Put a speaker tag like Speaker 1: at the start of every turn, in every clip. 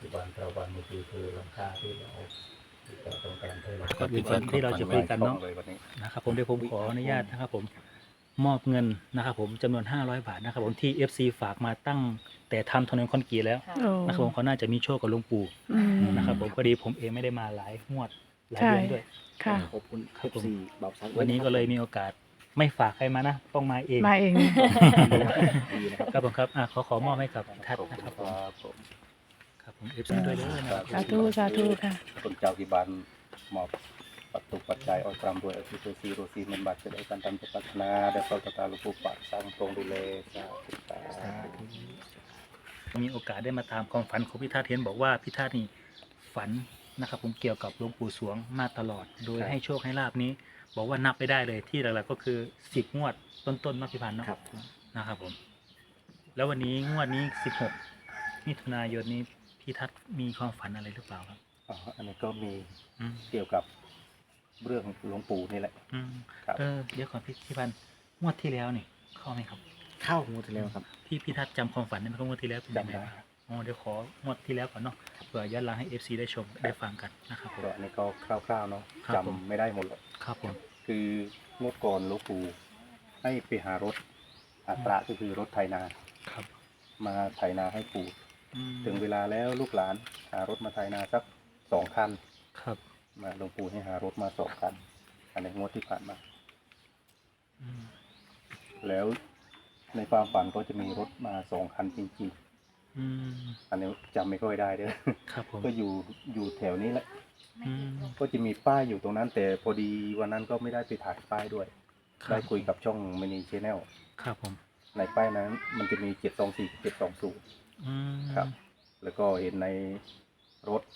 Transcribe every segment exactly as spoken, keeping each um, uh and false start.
Speaker 1: บันเราวันเมื่อกี้คือหลังคาที่เราที่เราต้องการเท่าไหร่
Speaker 2: ก่อนอื่นที่เราจะคุยกันเนาะ
Speaker 3: เลยวันนี้
Speaker 2: นะครับผมเดี๋ยวผมขออนุญาตนะครับผมมอบเงินนะครับผมจำนวนห้าร้อยบาทนะครับผมที่ เอฟ ซี ฝากมาตั้งแต่ทำถนนคอนกรีตแล้ว
Speaker 4: โอ้
Speaker 2: นะครับผมเขาน่าจะมีโชคกับหลวงปู่
Speaker 4: อืม
Speaker 2: นะครับผมพอดีผมเองไม่ได้มาหลายงวดหลาย
Speaker 4: ใช่
Speaker 2: เดือนด้วย
Speaker 4: ค่ะ
Speaker 5: ขอบคุณ
Speaker 2: ครับผม
Speaker 5: เอฟซีบ่าวซัก
Speaker 2: วันนี้ก็เลยมีโอกาสไม่ฝากใครมานะต้องมาเอง
Speaker 4: มาเอง
Speaker 5: ดีนะครับ
Speaker 2: ครับผมครับอ่ะขอขอมอบให้กับทัศ
Speaker 3: ขอบ
Speaker 2: น์
Speaker 3: คุณ
Speaker 2: นะครับ
Speaker 3: ค
Speaker 2: ผม
Speaker 3: รับผม
Speaker 2: ครับผม เอฟ ซี ด้วยเลยนะครับ
Speaker 4: สาธุสาธุค่ะ
Speaker 3: คนเจ้าที่บ้านมอบปัจจุปัจจัยออกตามด้วยอธิโตซีโรซีเมนบัตจะได้การทำปัฒนาได้เข้าตาลูกปูปักสร้างตรงดูแลสาธุสาธุ
Speaker 2: มีโอกาสได้มาตามความฝันของพี่ทัศน์เห็นบอกว่าพี่ทัศน์นี่ฝันนะครับผมเกี่ยวกับหลวงปู่สวงมาตลอด โดยให้โชคให้ลาบนี้ บอกว่านับไม่ได้เลยที่หลักๆก็คือสิบงวดต้นๆเนาะพี่พันธ์เนาะ
Speaker 5: ครับ
Speaker 2: นะครับผม แล้ววันนี้งวดนี้สิบหกมิถุนายนนี้พี่ทัศน์มีความฝันอะไรหรือเปล่าครับ
Speaker 3: อ๋ออันนี้ก็มี
Speaker 2: อืม
Speaker 3: เกี่ยวกับเรื่องหลวงปู่นี่แหละ
Speaker 2: อืม
Speaker 3: ครับ
Speaker 2: เออเดี๋ยวก่อนพี่พี่พันธ์งวดที่แล้วนี่เข้าไหมครับ
Speaker 5: เข้างวดที่แล้วครับ
Speaker 2: พี่พี่ทัศน์จำความฝันได้ไหมครับงวดที่แล้วเป็นยังไง
Speaker 3: จำได้
Speaker 2: บ้างอ๋อเดี๋ยวของวดที่แล้วก่อนเนาะเผื่อย้อนหลังให้ เอฟ ซี ได้ชมได้ฟังกันนะครับผม
Speaker 3: ก็อันนี้ก็คร่าวๆเนาะ
Speaker 2: ครับผม
Speaker 3: จำไม่ได้หมดหรอก
Speaker 2: ครับผม
Speaker 3: คืองวดก่อนหลวงปู่ให้ไปหารถอัตราก็คือรถไถนา
Speaker 2: ครับ
Speaker 3: มาไถนาให้ปู่
Speaker 2: อืม
Speaker 3: ถึงเวลาแล้วลูกหลานหารถมาไถนาสักสองคัน
Speaker 2: ครับ
Speaker 3: มาหลวงปู่ให้หารถมาสองคัน อันในงวดที่ผ่านมา
Speaker 2: อืม
Speaker 3: แล้วในความฝันก็จะมีรถมาสองคันจริง
Speaker 2: อืม
Speaker 3: ๆ อันนี้จำไม่ค่อยได้เด้อ
Speaker 2: ครับผม
Speaker 3: ก็อยู่อยู่แถวนี้แหละ
Speaker 2: อืม
Speaker 3: ก็จะมีป้ายอยู่ตรงนั้น แต่พอดีวันนั้นก็ไม่ได้ไปถ่ายป้ายด้วย
Speaker 2: รับ
Speaker 3: ได้คุยกับช่องมินิชแนล
Speaker 2: ครับผม
Speaker 3: ในป้ายนั้นมันจะมีเจ็ดสองสี่เจ็ดสองศูนย์
Speaker 2: อืม
Speaker 3: ครับ แล้วก็เห็นในรถ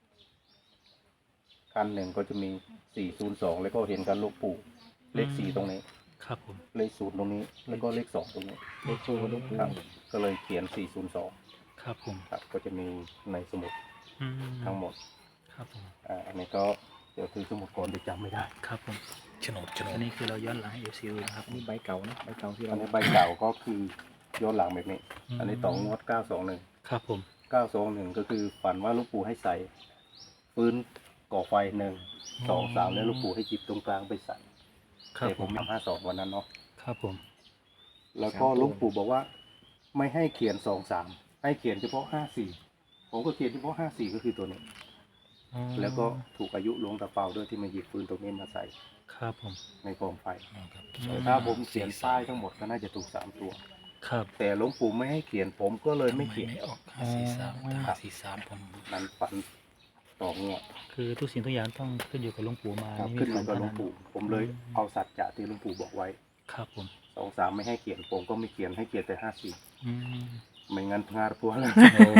Speaker 3: คันหนึ่งก็จะมีสี่ศูนย์สองแล้วก็เห็นกันลูกปู่เลขสี่ตรงนี้
Speaker 2: ครับผม
Speaker 3: เลขศูนย์ตรงนี้ แล้วก็เลขสองตรงนี้
Speaker 5: เลขโชว์ลูกปู
Speaker 3: ครับ ก็เลยเขียนสี่ศูนย์สอง
Speaker 2: ครับผม
Speaker 3: ครับ ก็จะมีในสมุด
Speaker 2: อืม
Speaker 3: ทั้งหมด
Speaker 2: ครับผม
Speaker 3: อ่าอันนี้ก็เดี๋ยวคือสมุดก่อนจะจำไม่ได้
Speaker 2: ครับผม
Speaker 5: โฉนดโฉน
Speaker 2: อั
Speaker 5: ด
Speaker 2: นนี้คือเราย้อนหลังให้ เอฟ ซี ดูนะครับ
Speaker 5: อันนี้ใบเก่านะใบเก่าที่
Speaker 3: อั
Speaker 5: เรา
Speaker 3: นนี้ใบเก่าก็คือย้อนหลังแบบนี้
Speaker 2: ม
Speaker 3: อันนี้ต่องวดเก้าสองหนึ่ง
Speaker 2: ครับผม
Speaker 3: เก้าสองหนึ่งก็คือฝันว่าลูกปู่ให้ใส่ปืนก่อไฟหนึ่งสองสามแล้วลูกปู่ให้จิบตรงกลางไปใส่
Speaker 2: ครับ
Speaker 3: แต่
Speaker 2: ผ
Speaker 3: ผม
Speaker 2: ม
Speaker 3: ทำห้าสองวันนั้นเนาะ
Speaker 2: ครับผม
Speaker 3: แล้วก็ลูกปู่บอกว่า ไม่ให้เขียนสองสามให้เขียนเฉพาะห้าสี่ผมก็เขียนเฉพาะห้าสี่ก็คือตัวนี้
Speaker 2: อ๋อ
Speaker 3: แล้วก็ถูกอายุหลวงตาเปาด้วยที่มาหยิบปืนตรงนี้มาใส่
Speaker 2: ครับผม
Speaker 3: ในกองไฟ
Speaker 5: ครับ
Speaker 3: แต่ถ้าผมเขียนป้ายทั้งหมดก็น่าจะถูกสามตัว
Speaker 2: ครับ
Speaker 3: แต่หลวงปู่ไม่ให้เขียนผมก็เลยไม่เขียน
Speaker 5: ไม่ออกห้าสี่สามแต่ห้าสี่สามผม
Speaker 3: นั้นฝันต่องวด
Speaker 2: คือทุกสิ่งทุกอย่างต้องขึ้นอยู่กับหลวงปู่มา
Speaker 3: ครับ
Speaker 2: นี่
Speaker 3: ขึ้น
Speaker 2: ฝั
Speaker 3: มากับหลวง
Speaker 2: เท่า
Speaker 3: ปู่ ผมเลยเอาสัจจะที่หลวงปู่บอกไว้
Speaker 2: ครับผม
Speaker 3: สองสามไม่ให้เขียนผมก็ไม่เขียนให้เขียนแต่ห้าสี่
Speaker 2: อืม
Speaker 3: ไม่งั้นพงาดพัวเลย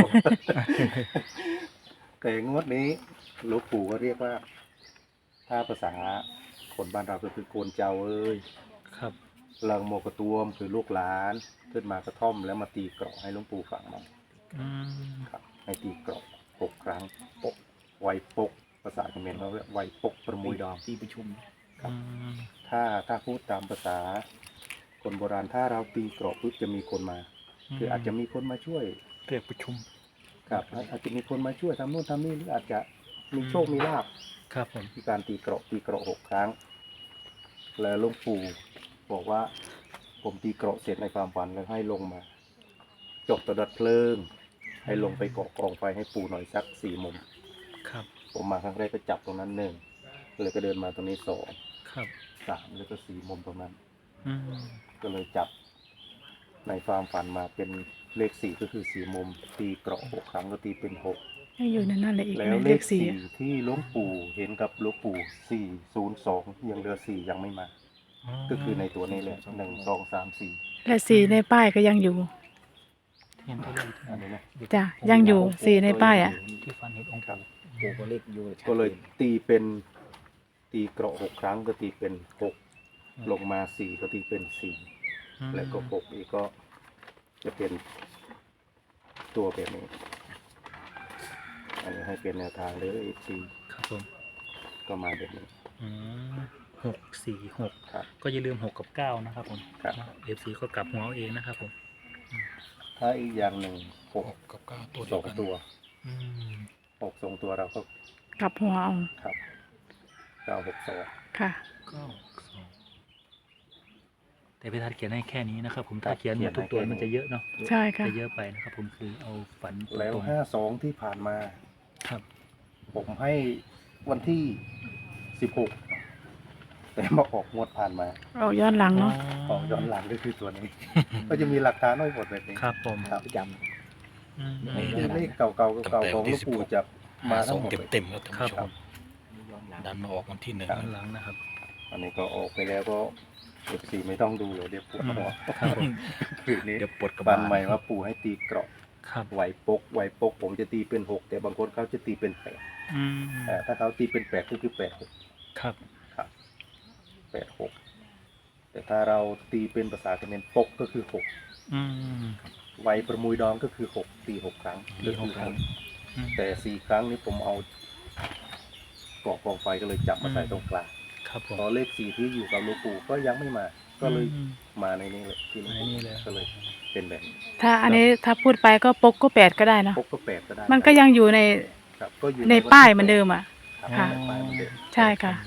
Speaker 3: แต่งวดนี้หลวงปู่ก็เรียกว่า ถ้าภาษาคนบ้านเราก็คือโกนเจ้าเอ้ย
Speaker 2: ครับ
Speaker 3: เลิงโมกระตวมคือลูกหลานขึ้นมากระท่อมแล้วมาตีเกราะให้หลวงปู่ฟังมัน
Speaker 2: อืม
Speaker 3: ครับ ให้ตีเกราะหกครั้งปกไวปกภาษาเขมรเขาเรียกไวปกประมุยดอม
Speaker 5: ที่ประชุม
Speaker 3: ครับ
Speaker 2: อืม
Speaker 3: ถ้าถ้าพูดตามภาษา คนโบราณถ้าเราตีเกราะปุ๊บจะมีคนมา คืออาจจะมีคนมาช่วย
Speaker 2: เรียกประชุม
Speaker 3: ครับอาจจะมีคนมาช่วยทำนู่นทำนี่หรืออาจจะมีโชคมีลาภ
Speaker 2: ครับผม
Speaker 3: ที่การตีเกราะตีเกราะหกครั้ง แล้วหลวงปู่บอกว่า ผมตีเกราะเสร็จในความฝันแล้วให้ลงมา จบตะดัดเพลิง ให้ลงไปเกาะกองไฟให้ปู่หน่อยสักสี่มุม
Speaker 2: ครับ
Speaker 3: ผมมาครั้งแรกก็จับตรงนั้นหนึ่งเลยก็เดินมาตรงนี้สอง
Speaker 2: ครับ
Speaker 3: สามแล้วก็สี่มุมตรงนั้น
Speaker 2: อืม
Speaker 3: ก็เลยจับในความฝันมาเป็นเลขสี่ก็คือสี่มุม ตีเกราะหกครั้งก็ตีเป็นหก
Speaker 4: ให้อยู่ในนั่นแหละอีก
Speaker 3: แล้
Speaker 4: ไหม
Speaker 3: วเล
Speaker 4: เล
Speaker 3: ข
Speaker 4: ขสี่
Speaker 3: สี่ที่หลวงปู่เห็นกับหลวงปู่สี่ศูนย์สองยังเหลือสี่ยังไม่มา ก็คือในตัวนี้เลยหนึ่งสองสามสี่
Speaker 4: และสี่ในป้ายก็ยังอยู่
Speaker 2: เทียนตัวเลข
Speaker 3: อันนี้นะ
Speaker 4: จ้ะยังอยู่สี่ในป้ายอ่ะ
Speaker 2: ที่ฟันเห็นองค์
Speaker 3: ครับ
Speaker 5: ปูก็เลขอยู่ชัด
Speaker 3: ก็เลย
Speaker 5: จน
Speaker 3: ตีเป็นตีเกราะหกครั้งก็ตีเป็นหกลงมาสี่ก็ตีเป็นสี่
Speaker 2: อืม
Speaker 3: แล้วก็หกอีกก็จะเป็นตัวแบบนี้ อันนี้ให้เป็นแนวทางเลยอีกที
Speaker 2: ครับผม
Speaker 3: ก็มาแบบนี้
Speaker 2: อืมหกสี่หก
Speaker 3: ครับ
Speaker 2: ก็อย่าลืมหกกับเก้านะครับผม
Speaker 3: ครับ
Speaker 2: เอฟซีก็กลับหัวเอาเองนะครับผม
Speaker 3: ถ้าอีกอย่างหนึ่งหก
Speaker 5: หกกับเก้าตัว
Speaker 3: ส
Speaker 5: เดีย
Speaker 3: อ
Speaker 5: ว
Speaker 3: ง
Speaker 5: กัน
Speaker 3: ตัว
Speaker 2: ออืม
Speaker 3: หกทรงตัวเราก็
Speaker 4: กลับหัวเอา
Speaker 3: ครับเก้าหกสอง
Speaker 4: ค่ะ
Speaker 2: ก็สองแต่พี่ทัศน์เขียนให้แค่นี้นะครับ ผม
Speaker 3: ครั
Speaker 2: ถ้า
Speaker 3: บ
Speaker 2: เขียนหมดทุกตัว
Speaker 3: เขียนให้
Speaker 2: มันจะเยอะเนาะ
Speaker 4: ใช่ค่ะ
Speaker 2: จะเยอะไปนะครับ ผมคือเอาฝันต
Speaker 3: แล้ว
Speaker 2: รง
Speaker 3: ห้าสองที่ผ่านมา
Speaker 2: ๆครับ
Speaker 3: ผมให้วันที่สิบหกแต่มาออกงวดผ่านมา
Speaker 4: เอาย้อนหลังเนาะ
Speaker 3: ออกย้อนหลังก็คือตัวนี้ ก็จะมีหลักฐานน้อยหมดแบบนี้
Speaker 2: ครับผม
Speaker 3: ครับ
Speaker 5: ประจ
Speaker 2: อืม
Speaker 5: ไม่
Speaker 3: คือ
Speaker 5: ย้นหลัง
Speaker 3: เลขเก่าๆเก่าๆของหลวงปู่จะ
Speaker 5: ำ
Speaker 3: มา
Speaker 5: มาส
Speaker 3: ทั้
Speaker 5: อง
Speaker 3: งหมด
Speaker 5: เต็ม
Speaker 3: เลย
Speaker 5: เต็มๆแล้วท่าน
Speaker 2: ครับ
Speaker 5: ผู้ช
Speaker 2: ผม ม
Speaker 5: ย้อนหลังดันมาออกวันที่หนึ่ง
Speaker 2: ย้อนหลังนะครับ
Speaker 3: อันนี้ก็ออกไปแล้วก็เอฟซีไม่ต้องดูเลยเดี๋ยวปวดหัว
Speaker 2: ครับผม
Speaker 3: คือนี้
Speaker 5: เดี๋ยวปวดกระ
Speaker 3: บั
Speaker 5: บาน ล
Speaker 3: ใหม่ว่าปู่ให้ตีเกราะ
Speaker 2: ครับ
Speaker 3: ไหวปกไหวปก ผมจะตีเป็นหกแต่บางคนเขาจะตีเป็นแปด
Speaker 2: อืม
Speaker 3: แต่ถ้าเขาตีเป็นแปดก็คือแปดหก
Speaker 2: ครับ
Speaker 3: ครับแปดหกแต่ถ้าเราตีเป็นภาษาเขมรปกก็คือหก
Speaker 2: อืม
Speaker 3: ไหวประมุยดองก็คือหกตีหกครั้ง
Speaker 2: ตีหกครั้ง อืม
Speaker 3: แต่สี่ครั้งนี้ผมเอาเกาะกองไฟก็เลยจับมาใส่ตรงกลาง
Speaker 2: ครับผม
Speaker 3: พอเลขสี่ที่อยู่กับหลวงปู่ก็ยังไม่มา ก็เลย
Speaker 2: อืม
Speaker 3: มาในนี้เลยที่หลวง
Speaker 2: ใน
Speaker 3: ปู่
Speaker 2: นี่เลย
Speaker 3: ก็เลยเป็นแบบนี้
Speaker 4: ถ้าอันนี้ถ้าพูดไปก็ปกก็แปดก็ได้เนาะ
Speaker 3: ปกก็แปดก็ได้
Speaker 4: มันก็ยังอยู่ใน
Speaker 3: ครับก็อยู่
Speaker 4: ในป้ายเหมือนเดิมอ่ะ
Speaker 3: ครับ
Speaker 4: ค่ะ
Speaker 3: ในป้ายเหมือนเดิม
Speaker 4: ใช่ค่ะ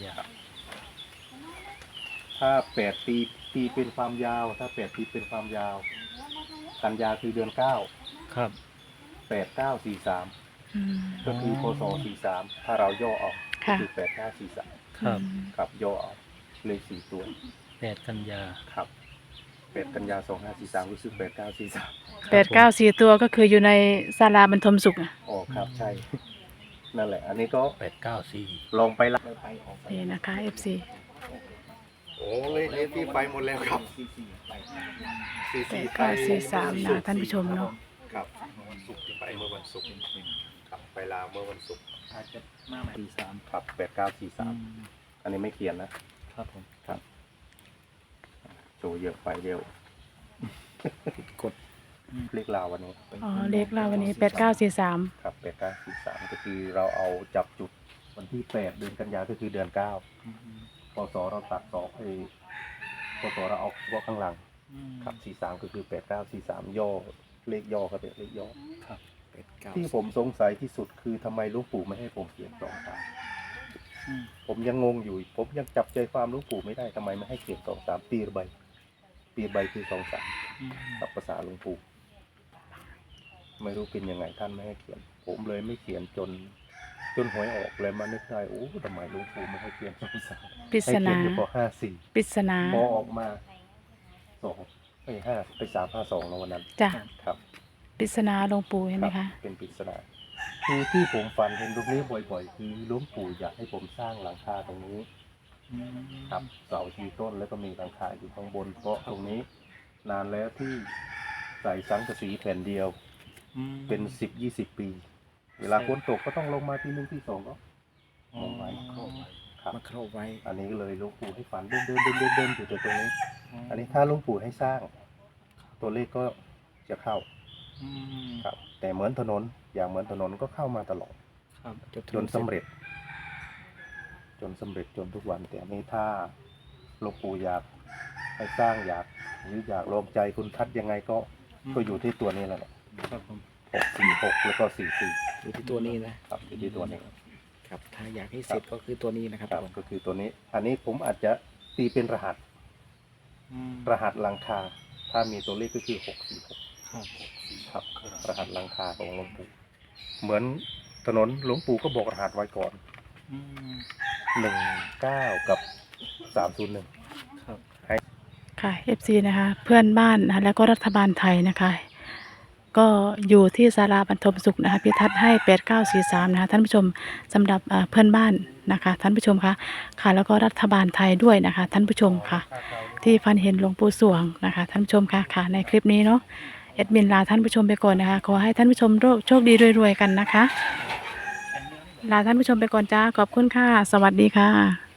Speaker 3: ถ้าแปดตีตีเป็นความยาว ถ้าแปดตีเป็นความยาว กันยาคือเดือนเก้า
Speaker 2: ครับ
Speaker 3: แปดเก้าสี่สาม
Speaker 4: อืม
Speaker 3: ก็คือพศสี่สามถ้าเราย่อออกก็
Speaker 4: ค่ะ
Speaker 3: คือแปดเก้าสี่สาม
Speaker 2: ครับ
Speaker 3: ครับย่อออกเลขสี่ตัว
Speaker 2: แปดกันยา
Speaker 3: ครับแปดกันยาสองห้าสี่สามรู้สึกแปดเก้าสี่สาม
Speaker 4: แปดเก้าสี่ตัวก็คืออยู่ในศาลาบรรทมสุขอะ
Speaker 3: อ๋อครับใช่ นั่นแหละ อันนี้ก็
Speaker 5: แปดเก้าสี่
Speaker 3: ลองไปละ
Speaker 4: นี่นะคะ เอฟ ซี
Speaker 3: โอ้เลขเลขที่ไปหมดแล้วครับสี่
Speaker 4: แป
Speaker 3: สี่
Speaker 4: ดเก้าสี่สามนะท่านผู้ชมเนาะ
Speaker 3: ครับวันศุกร์ที่ไปเมื่อวันศุกร์ครับไปลาวเมื่อวันศุกร์
Speaker 2: อาจจะมาใหม่
Speaker 3: สี่สามครับแปดเก้าสี่สามอันนี้ไม่เขียนนะ
Speaker 2: ครับผม
Speaker 3: ครับโชว์เยอะไปเร็ว
Speaker 5: กด
Speaker 3: เลขลาววันนี้
Speaker 4: อ๋อ เลขเราวันนี้แปดเก้าสี่สาม
Speaker 3: ครับแปดเก้าสี่สามก็คือเราเอาจับจุดวันที่แปดเดือนกันยาก็คือเดือนเก้าพศเราตัดสองไอ้พศเราเอาเฉพาะข้างหลัง ครับสี่สามก็คือแปดเก้าสี่สามย่อเลขย่อครับเป็นเลขย่อ
Speaker 5: แปดเก้า
Speaker 3: ที่ผมสงสัยที่สุดคือทำไมหลูกปู่ไม่ให้ผมเขียนสองสามผมยังงงอยู่ ผมยังจับใจความหลูกปู่ไม่ได้ทำไมไม่ให้เขียนสองสามปีระใบปีระใบคือสองสามกับภาษาหลวงปู่ไม่รู้เป็นยังไงท่านไม่ให้เขียน ผมเลยไม่เขียนจน จนหวยออกเลยมานึกได้โอ้ทำไมหลวงปู่ไม่ให้เขียนสองสาม
Speaker 4: ปริ
Speaker 3: ให้
Speaker 4: ศ
Speaker 3: เขีย
Speaker 4: นาน
Speaker 3: อยู่พอห้าสี่
Speaker 4: ปริศนา
Speaker 3: พอออกมาสองไปห้าไปสามห้าสองในวันนั้น
Speaker 4: จ้ะ
Speaker 3: ครับ
Speaker 4: ปริศนาหลวงปู่เห็นไหม
Speaker 3: ครั
Speaker 4: คะ
Speaker 3: บเป็นปริศนาคือที่ผมฝันเห็นตรงนี้บ่อยๆ คือหลวงปู่อยากให้ผมสร้างหลังคาตรงนี้ครับเสาชีต้นแล้วก็มีหลังคาอยู่ข้างบน เพราะตรงนี้นานแล้วที่ใส่สังกะสีแผ่นเดียว เป็นสิบยี่สิบปี เวลาฝนตกก็ต้องลงมาที่หนึ่งที่สองก็ลงไว้ครับ
Speaker 5: มาครอบไว้
Speaker 3: อันนี้ก็เลยหลวงปู่ให้ฝันเดินเดินเดินเดินเดินอยู่ตรงนี้ อันนี้ถ้าหลวงปู่ให้สร้าง ตัวเลขก็จะเข้าครับ แต่เหมือนถนนอย่างเหมือนถนนก็เข้ามาตลอด
Speaker 2: ครับ
Speaker 3: จนสำเร็จ จนสำเร็จจนทุกวัน แต่อันนี้ถ้าหลวงปู่อยากให้สร้างอยากหรืออยากลองใจคุณทัดยังไงก็ก็อยู่ที่ตัวนี้แหละ
Speaker 2: ครับผม
Speaker 3: หกสี่หกแล้วก็สี่สี่
Speaker 5: อยู่ที่ตัวนี้นะครับ
Speaker 3: อยู่ที่ตัวนี้
Speaker 5: ครับ ถ้าอยากให้เสร็จก็คือตัวนี้นะครับ
Speaker 3: ครับ
Speaker 5: ทุกคน
Speaker 3: ก็คือตัวนี้ อันนี้ผมอาจจะตีเป็นรหัส รหัสหลังคา ถ้ามีตัวเลขก็คือหกสี่หก
Speaker 2: ครับ
Speaker 3: ครับ รหัสหลังคาของหลวงปู่ เหมือนถนนหลวงปู่ก็บอกรหัสไว้ก่อน หนึ่งเก้ากับสามศูนย์หนึ่ง
Speaker 2: ครับ
Speaker 4: ค่ะ เอฟ ซี นะคะ เพื่อนบ้านนะคะแล้วก็รัฐบาลไทยนะคะ ก็อยู่ที่ศาลาบรรทมสุขนะคะพิทัศน์ให้แปดเก้าสี่สามนะคะท่านผู้ชมสำหรับเอ่อเพื่อนบ้านนะคะท่านผู้ชมคะค่ะแล้วก็รัฐบาลไทยด้วยนะคะท่านผู้ชมค่ะ ที่ฟันเห็นหลวงปู่สวงนะคะท่านผู้ชมค่ะค่ะในคลิปนี้เนาะเอ็ดมินลาท่านผู้ชมไปก่อนนะคะขอให้ท่านผู้ชมโชคดีรวยๆกันนะคะลาท่านผู้ชมไปก่อนจ้าขอบคุณค่ะสวัสดีค่ะ